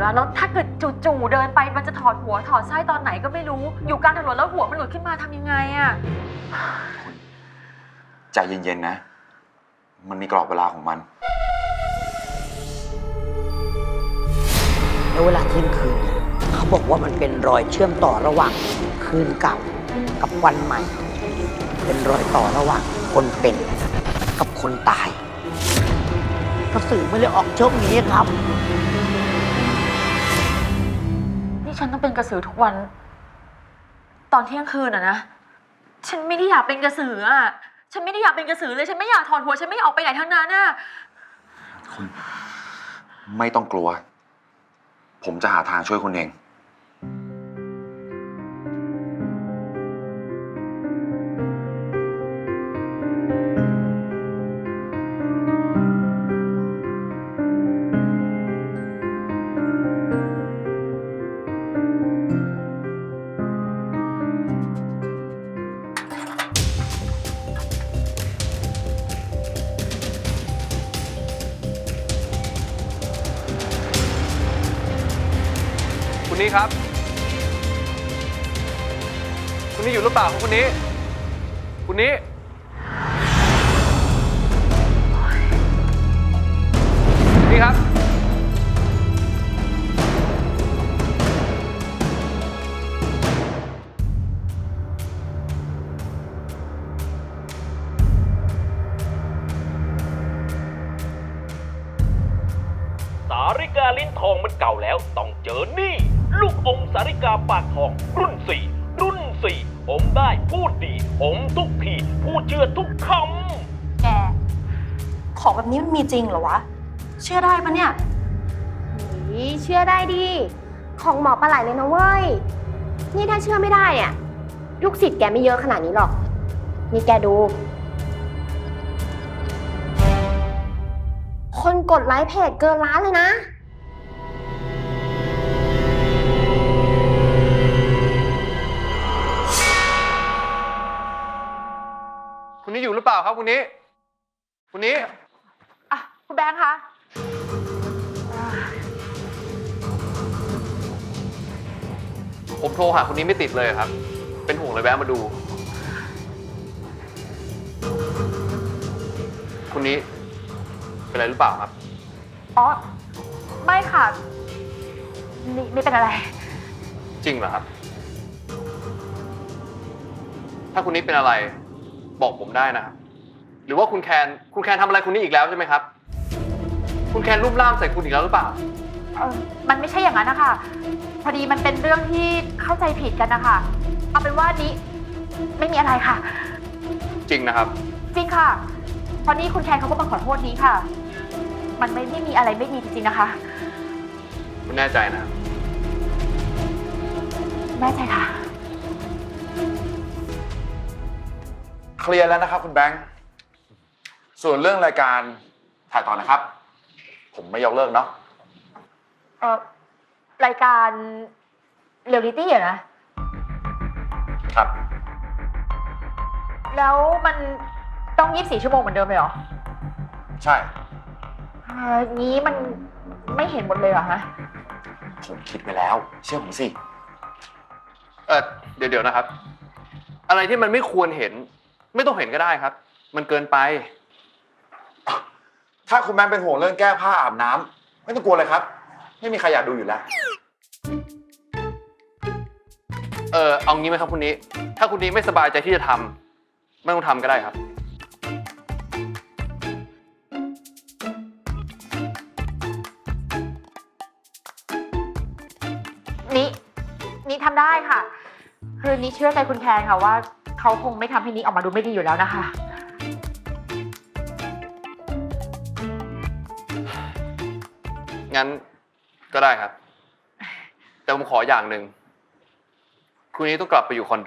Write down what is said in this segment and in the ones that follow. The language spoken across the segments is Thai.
อะแล้วถ้าเกิดจู่ๆเดินไปมันจะถอดหัวถอดไส้ตอนไหนก็ไม่รู้อยู่กลางถนนแล้วหัวมันหลุดขึ้นมาทำยังไงอะใจเย็นๆนะมันมีกรอบเวลาของมันแล้วเวลาเที่ยงคืนเนี่ยเขาบอกว่ามันเป็นรอยเชื่อมต่อระหว่างคืนเก่ากับวันใหม่ เป็นรอยต่อระหว่างคนเป็นกับคนตายกระสือไม่เลยออกช่วงนี้ครับนี่ฉันต้องเป็นกระสือทุกวันตอนเที่ยงคืนอะนะฉันไม่ได้อยากเป็นกระสืออะฉันไม่ได้อยากเป็นกระสือเลยฉันไม่อยากถอดหัวฉันไม่ออกไปไหนทั้งนั้นอะคุณไม่ต้องกลัวผมจะหาทางช่วยคุณเองคุณนี้ครับคุณนี้อยู่หรือเปล่าคุณนี้คุณนี้นี่ครับสาริกาลิ้นทองมันเก่าแล้วต้องเจอนี่ลูกอมสาริกาปากทองรุ่น 4อมได้พูดดีอมทุกทีพูดเชื่อทุกคำแกของแบบนี้มันมีจริงเหรอวะเชื่อได้ปะเนี่ยเชื่อได้ดิของหมอปลาไหลเลยนะเว้ยนี่ถ้าเชื่อไม่ได้เนี่ยลูกศิษย์แกไม่เยอะขนาดนี้หรอกนี่แกดูคนกดไลค์เพจเกินล้านเลยนะคุณนี้อยู่หรือเปล่าครับคุณนี้คุณนี้อ่ะคุณแบงค์คะผมโทรหาคุณนี้ไม่ติดเลยครับเป็นห่วงเลยแวะมาดูคุณนี้เป็นอะไรหรือเปล่าครับอ๋อไม่ค่ะไม่เป็นอะไรจริงเหรอครับถ้าคุณนี้เป็นอะไรบอกผมได้นะครับหรือว่าคุณแคนทำอะไรคุณนี้อีกแล้วใช่ไหมครับคุณแคนรูปร่ามใส่คุณอีกแล้วหรือเปล่ามันไม่ใช่อย่างนั้นนะคะพอดีมันเป็นเรื่องที่เข้าใจผิดกันนะคะเอาเป็นว่านี้ไม่มีอะไรค่ะจริงนะครับจริงค่ะพอนี้คุณแคนเขาก็มาขอโทษนี้ค่ะมันไม่มีอะไรไม่มีจริงๆนะคะคุณแน่ใจนะแน่ใจค่ะเคลียร์แล้วนะครับคุณแบงค์ส่วนเรื่องรายการถ่ายต่อนะครับผมไม่ยกเลิกเนาะรายการเรียลลิตี้เหรอครับแล้วมันต้อง24 ชั่วโมงเหมือนเดิมเลยเหรอใช่งี้มันไม่เห็นหมดเลยเหรอฮะผมคิดไปแล้วเชื่อผมสิเดี๋ยวนะครับอะไรที่มันไม่ควรเห็นไม่ต้องเห็นก็ได้ครับมันเกินไปถ้าคุณแบงค์เป็นห่วงเรื่องแก้ผ้าอาบน้ำไม่ต้องกลัวเลยครับไม่มีใครอยากดูอยู่แล้วเอางี้ไหมครับคุณนี้ถ้าคุณนี้ไม่สบายใจที่จะทำไม่ต้องทำก็ได้ครับนี่ทำได้ค่ะคือนี่เชื่อใจคุณแคนค่ะว่าเขาคงไม่ทำให้นี้ออกมาดูไม่ดีอยู่แล้วนะคะงั้นก็ได้ครับแต่ผมขออย่างหนึ่งคุณนี้ต้องกลับไปอยู่คอนโด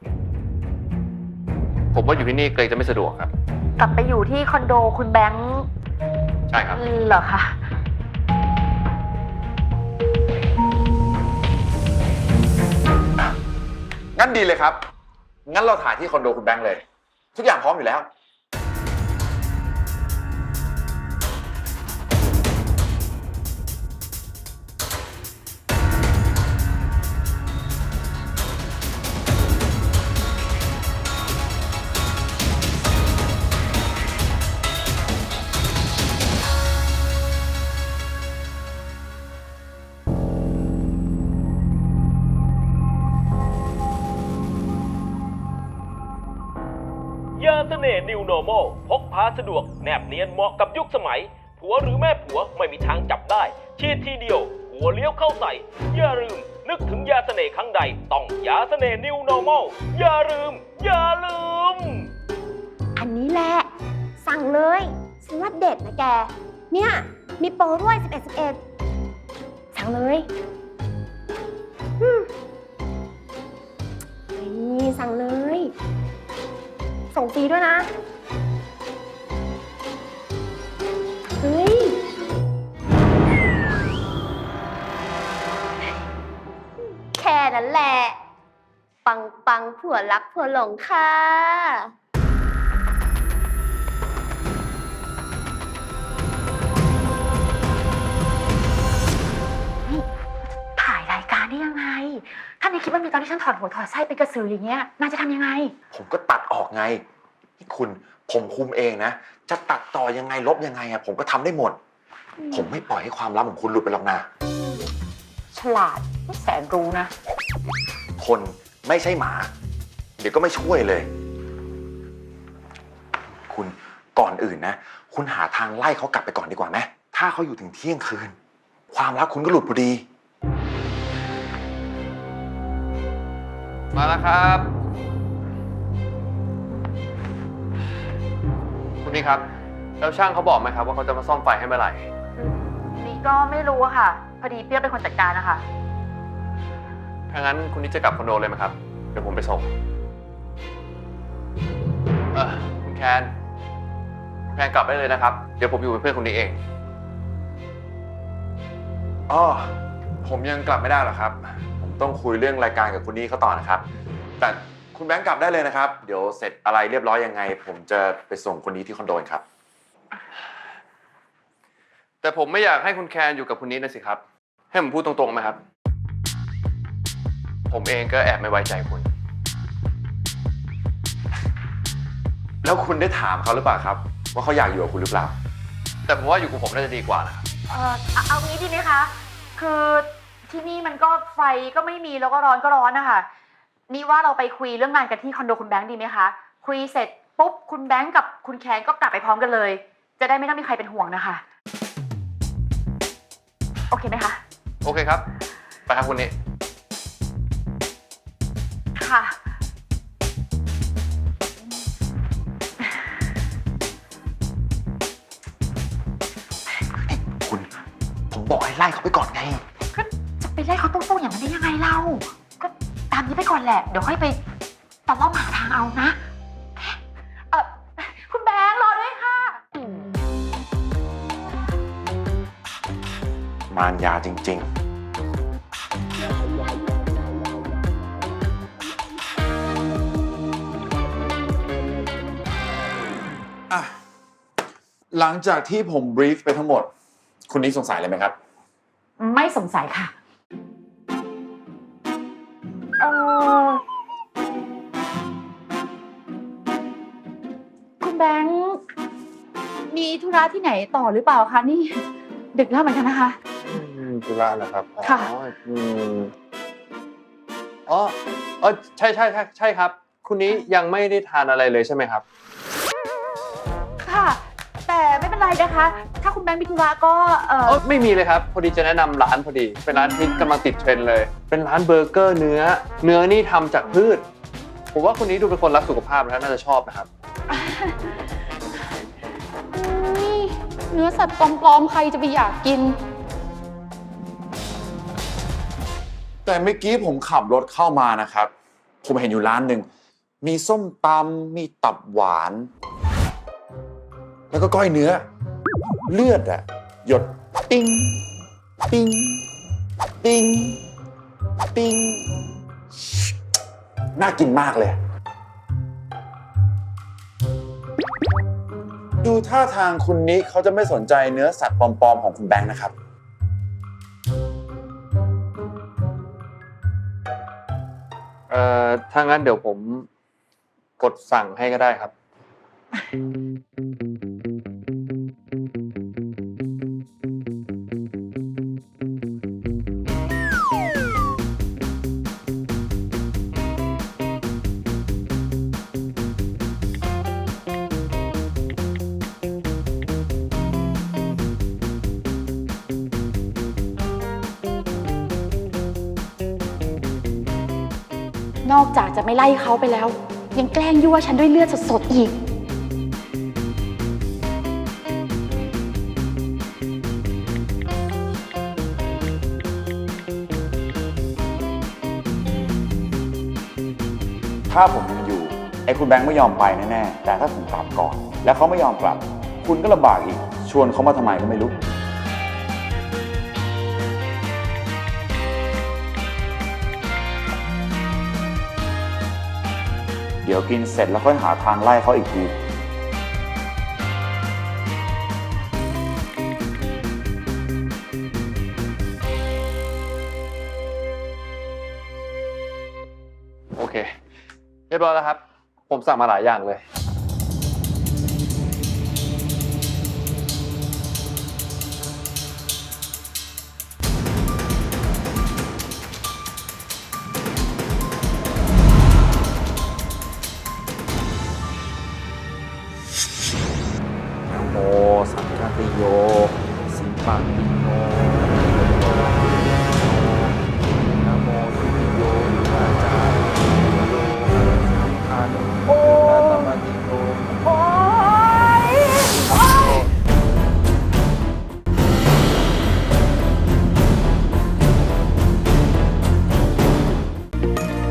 ผมว่าอยู่ที่นี่เกรงจะไม่สะดวกครับกลับไปอยู่ที่คอนโดคุณแบงค์ใช่ครับเหรอคะงั้นดีเลยครับงั้นเราถ่ายที่คอนโดคุณแบงค์เลยทุกอย่างพร้อมอยู่แล้วยาเสน่ห์ New Normal พกพาสะดวกแนบเนียนเหมาะกับยุคสมัย ผัวหรือแม่ผัวไม่มีทางจับได้ฉีดทีเดียวหัวเลี้ยวเข้าใส่ อย่าลืม นึกถึงยาเสน่ห์ครั้งใดต้องยาเสน่ห์ New Normal อย่าลืม อย่าลืมอันนี้แหละ สั่งเลยฉันว่าเด็ดนะแก เนี่ย มีโปรด้วย 11 สั่งเลยนี่สั่งเลย ส่งฟรีด้วยนะ เฮ้ย แค่นั้นแหละ ปังปังผัวรักผัวหลงค่ะถ่ายรายการได้ยังไง ถ้าในคลิปมันมีตอนที่ฉันถอดหัวถอดไส้เป็นกระสืออย่างเงี้ยนายจะทำยังไงผมก็ตัดออกไงนี่คุณผมคุมเองนะ จะตัดต่อยังไงลบยังไงอะผมก็ทำได้หมด ผมไม่ปล่อยให้ความลับของคุณหลุดไปหรอกนะฉลาดไม่แสนรู้นะคนไม่ใช่หมา เดี๋ยวก็ไม่ช่วยเลย คุณก่อนอื่นนะ คุณหาทางไล่เขากลับไปก่อนดีกว่าไหมถ้าเขาอยู่ถึงเที่ยงคืน ความลับคุณก็หลุดพอดีมาแล้วครับ คุณนี่ครับ แล้วช่างเขาบอกไหมครับว่าเขาจะมาซ่อมไฟให้เมื่อไหร่นี่ก็ไม่รู้อะค่ะ พอดีเปรี้ยวเป็นคนจัดการนะคะถ้างั้นคุณนี่จะกลับคอนโดเลยไหมครับ เดี๋ยวผมไปส่ง คุณแคนกลับได้เลยนะครับ เดี๋ยวผมอยู่เป็นเพื่อนคุณนี่เองอ๋อ ผมยังกลับไม่ได้หรอกครับ ผมต้องคุยเรื่องรายการกับคุณนี่เขาต่อนะครับ แต่คุณแบงค์กลับได้เลยนะครับ เดี๋ยวเสร็จอะไรเรียบร้อยยังไง ผมจะไปส่งคนนี้ที่คอนโดครับแต่ผมไม่อยากให้คุณแคนอยู่กับคุณนี่นะสิครับ ให้ผมพูดตรงๆไหมครับ ผมเองก็แอบไม่ไว้ใจคุณแล้วคุณได้ถามเขาหรือเปล่าครับ ว่าเขาอยากอยู่กับคุณหรือเปล่าแต่ผมว่าอยู่กับผมน่าจะดีกว่านะครับเอางี้ดีไหมคะ คือที่นี่มันก็ไฟก็ไม่มีแล้วก็ร้อนก็ร้อนนะคะ นี่ว่าเราไปคุยเรื่องงานกันที่คอนโดคุณแบงค์ดีไหมคะ คุยเสร็จปุ๊บคุณแบงค์กับคุณแคนก็กลับไปพร้อมกันเลย จะได้ไม่ต้องมีใครเป็นห่วงนะคะ โอเคไหมคะโอเคครับ ไปครับคุณนี่ค่ะคุณ ผมบอกให้ไล่เขาไปก่อนไงก็จะไปไล่เขาตรงๆอย่างนั้นได้ยังไงเล่า ก็ตามนี้ไปก่อนแหละ เดี๋ยวค่อยไปตะล่อมหาทางเอานะ คุณแบงค์รอด้วยค่ะมารยาจริง ๆ อ่ะ หลังจากที่ผมบรีฟไปทั้งหมด คุณนี่สงสัยอะไรไหมครับไม่สงสัยค่ะ คุณแบงค์มีธุระที่ไหนต่อหรือเปล่าคะนี่ ดึกแล้วเหมือนกันนะคะธุระเหรอครับค่ะใช่ครับ คุณนี้ยังไม่ได้ทานอะไรเลยใช่ไหมครับค่ะ แต่ไม่เป็นไรนะคะ ถ้าคุณแบงค์มีธุระก็ไม่มีเลยครับ พอดีจะแนะนำร้านพอดี เป็นร้านที่กำลังติดเทรนด์เลย เป็นร้านเบอร์เกอร์เนื้อนี่ทำจากพืช ผมว่าคุณนี้ดูเป็นคนรักสุขภาพแล้วน่าจะชอบนะครับเนื้อสัตว์ปลอมๆใครจะไปอยากกินแต่เมื่อกี้ผมขับรถเข้ามานะครับ ผมเห็นอยู่ร้านหนึ่ง มีส้มตำมีตับหวาน แล้วก็ก้อยเนื้อ เลือดอะหยดติ้งติ้งติ้งติ้งน่ากินมากเลย ดูท่าทางคุณนิเขาจะไม่สนใจเนื้อสัตว์ปลอมๆของคุณแบงค์นะครับถ้างั้นเดี๋ยวผมกดสั่งให้ก็ได้ครับนอกจากจะไม่ไล่เขาไปแล้ว ยังแกล้งยั่วฉันด้วยเลือดสดๆอีกถ้าผมยังอยู่ ไอ้คุณแบงค์ไม่ยอมไปแน่ๆ แต่ถ้าผมกลับก่อน แล้วเขาไม่ยอมกลับ คุณก็ลำบากอีก ชวนเขามาทำไมก็ไม่รู้ เดี๋ยวกินเสร็จแล้วค่อยหาทางไล่เขาอีกทีโอเค เรียบร้อยแล้วครับ ผมสั่งมาหลายอย่างเลยนะโมสังฆติโย สิปังปิโนนะโมสุติโยอาจารย์โยสังฆานุโมนะตมติโยน